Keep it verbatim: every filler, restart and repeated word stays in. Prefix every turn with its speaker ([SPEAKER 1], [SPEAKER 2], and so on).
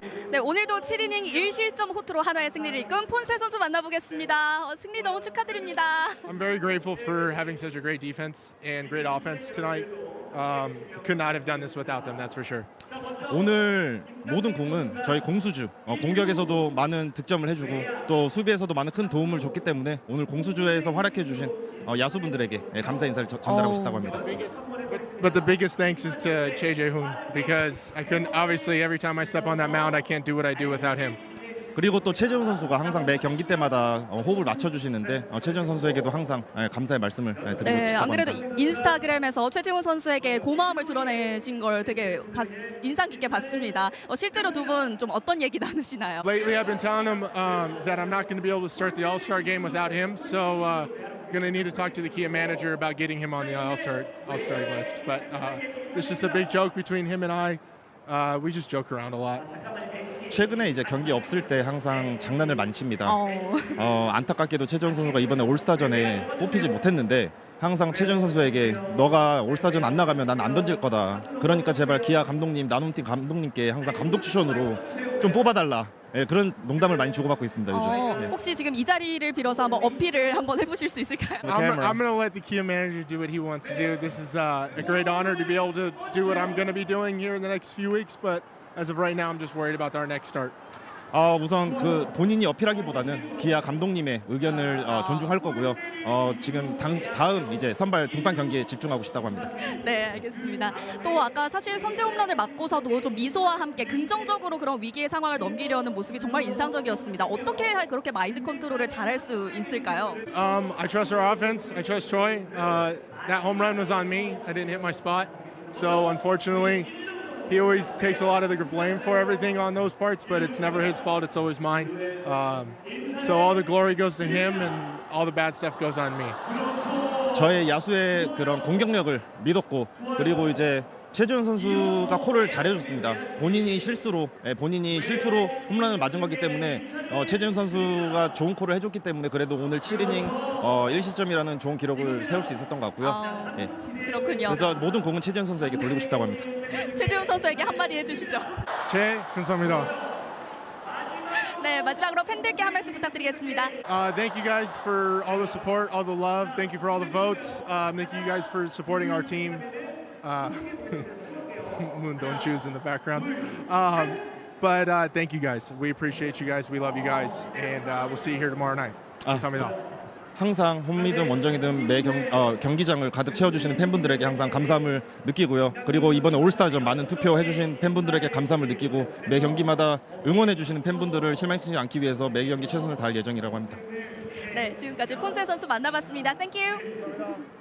[SPEAKER 1] 네, 오늘도 칠 이닝 일 실점 호투로 한화의 승리를 이끈 폰세 선수 만나보겠습니다. 어, 승리 너무 축하드립니다.
[SPEAKER 2] I'm very grateful for having such a great defense and great offense tonight. Um, could not have done this without them, that's for sure.
[SPEAKER 3] 오늘 모든 공은 저희 공수주 어, 공격에서도 많은 득점을 해주고 또 수비에서도 많은 큰 도움을 줬기 때문에 오늘 공수주에서 활약해주신 어, 야수분들에게 예, 감사 인사를 저- 전달하고
[SPEAKER 1] 어.
[SPEAKER 3] 싶다고 합니다.
[SPEAKER 2] But the biggest thanks is to Che Jae-hoon because I couldn't, obviously every time I step on that mound I can't do what I do without him.
[SPEAKER 3] 그리고 또 최재훈 선수가 항상 매 경기 때마다 어, 호흡을 맞춰주시는데 어, 최재훈 선수에게도 항상 예, 감사의 말씀을 예, 드리고
[SPEAKER 1] 네,
[SPEAKER 3] 싶다고
[SPEAKER 1] 안 그래도
[SPEAKER 3] 합니다.
[SPEAKER 1] 이- 인스타그램에서 최지훈 선수에게 고마움을 드러내신 걸 되게 봤- 인상 깊게 봤습니다. 어, 실제로 두 분 좀 어떤 얘기 나누시나요?
[SPEAKER 2] Lately I've been telling him um, that I'm not going to be able to start the All-Star game without him, so uh, going to need to talk to the Kia manager about getting him on the All-Star All-Star list. But uh, it's just a big joke between him and I. Uh, we just joke around a lot.
[SPEAKER 3] 최근에 이제 경기 없을 때 항상 장난을 많이 칩니다.
[SPEAKER 1] 어,
[SPEAKER 3] 어, 안타깝게도 최재훈 선수가 이번에 올스타전에 뽑히지 못했는데 항상 최재훈 선수에게 너가 올스타전 안 나가면 난 안 던질 거다. 그러니까 제발 기아 감독님, 나눔팀 감독님께 항상 감독 추천으로 좀 뽑아달라. 예, 그런 농담을 많이 주고받고 있습니다 요즘.
[SPEAKER 1] 어,
[SPEAKER 3] 예.
[SPEAKER 1] 혹시 지금 이 자리를 빌어서 한번 어필을 한번 해보실 수 있을까요?
[SPEAKER 3] The
[SPEAKER 2] I'm,
[SPEAKER 3] camera.
[SPEAKER 2] I'm going to let the Kia manager do what he wants to do. This is uh, a great honor to be able to do what I'm going to be doing here in the next few weeks, but as of right now, I'm just worried about our next start.
[SPEAKER 3] 어, 우선 그 본인이 어필하기보다는 기아 감독님의 의견을 어, 존중할 거고요. 어, 지금 당, 다음 이제 선발 등판 경기에 집중하고 싶다고 합니다.
[SPEAKER 1] 네, 알겠습니다. 또 아까 사실 선제 홈런을 맞고서도 좀 미소와 함께 긍정적으로 그런 위기의 상황을 넘기려는 모습이 정말 인상적이었습니다. 어떻게 그렇게 마인드 컨트롤을 잘할 수 있을까요?
[SPEAKER 2] Um, I trust our offense. I trust Troy. Uh, that home run was on me. I didn't hit my spot. So unfortunately, he always takes a lot of the blame for everything on those parts, but it's never his fault. It's always mine. Um, so all the glory goes to him, and all the bad stuff goes on me.
[SPEAKER 3] 저의 야수의 그런 공격력을 믿었고 그리고 이제 최재훈 선수가 콜을 잘해줬습니다. 본인이 실수로 예, 본인이 실투로 홈런을 맞은 거기 때문에 어, 최재훈 선수가 좋은 콜을 해줬기 때문에 그래도 오늘 칠 이닝 어, 일 실점이라는 좋은 기록을 세울 수 있었던 것 같고요.
[SPEAKER 1] 어,
[SPEAKER 3] 예.
[SPEAKER 1] 그렇군요.
[SPEAKER 3] 그래서 모든 공은 최재훈 선수에게 돌리고 싶다고 합니다.
[SPEAKER 1] 최지훈 선수에게 한마디 해주시죠.
[SPEAKER 2] Che, 감사합니다.
[SPEAKER 1] 네, 마지막으로 팬들께 한 말씀 부탁드리겠습니다.
[SPEAKER 2] Uh, thank you guys for all the support, all the love. Thank you for all the votes. Um, thank you guys for supporting our team. Uh, Moon don't choose in the background. Um, but uh, thank you guys. We appreciate you guys. We love you guys. And uh, we'll see you here tomorrow night.
[SPEAKER 3] 아,
[SPEAKER 2] 감사합니다.
[SPEAKER 3] 항상 홈이든 원정이든 매 경, 어, 경기장을 가득 채워주시는 팬분들에게 항상 감사함을 느끼고요. 그리고 이번에 올스타전 많은 투표해주신 팬분들에게 감사함을 느끼고 매 경기마다 응원해주시는 팬분들을 실망시키지 않기 위해서 매 경기 최선을 다할 예정이라고 합니다.
[SPEAKER 1] 네, 지금까지 폰세 선수 만나봤습니다. 땡큐.